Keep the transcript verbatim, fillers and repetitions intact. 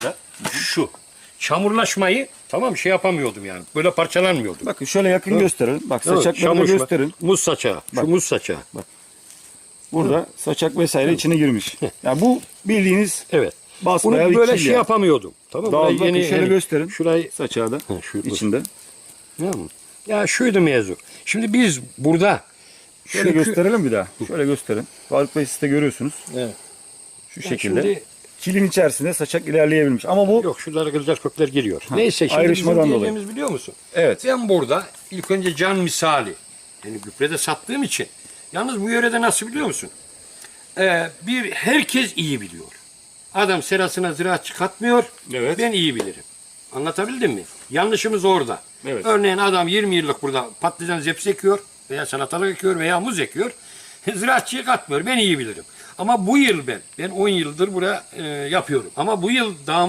Şu. Çamurlaşmayı tamam şey yapamıyordum yani. Böyle parçalanmıyordum. Bakın şöyle yakın gösterin. Bak Değil mi? saçakları da Çamurlaşma. gösterin. Muz saçağı. Şu Bak. muz saçağı. Burada saçak vesaire içine girmiş. Yani bu bildiğiniz Evet. Bunu basbayağı bir böyle kil şey yani. yapamıyordum. Tamam mı? Dağıldı. Burayı Bakın yeni- şöyle yeni- gösterin. Şurayı Saçağı da Ha, şu- içinde. ya, ya şuydu mevzu. Şimdi biz burada Şöyle çünkü- gösterelim bir daha. Şöyle gösterin. Faruk Bey siz de görüyorsunuz. Evet. Şu Yani şekilde. şimdi- Kilin içerisinde saçak ilerleyebilmiş. Ama bu Yok şuralara güzel kökler giriyor. Neyse şimdi ayrışmadan bizim dolayı. diyeceğimiz biliyor musun? evet. Ben burada ilk önce can misali yani gübrede sattığım için yalnız bu yörede nasıl biliyor musun? Ee, bir herkes iyi biliyor. Adam serasına ziraatçı katmıyor. Evet. Ben iyi bilirim. Anlatabildim mi? Yanlışımız orada. Evet. Örneğin adam yirmi yıllık burada patlıcan zepsi ekiyor veya salatalık ekiyor veya muz ekiyor. Ziraatçıyı katmıyor. Ben iyi bilirim. Ama bu yıl ben, ben on yıldır buraya e, yapıyorum. Ama bu yıl daha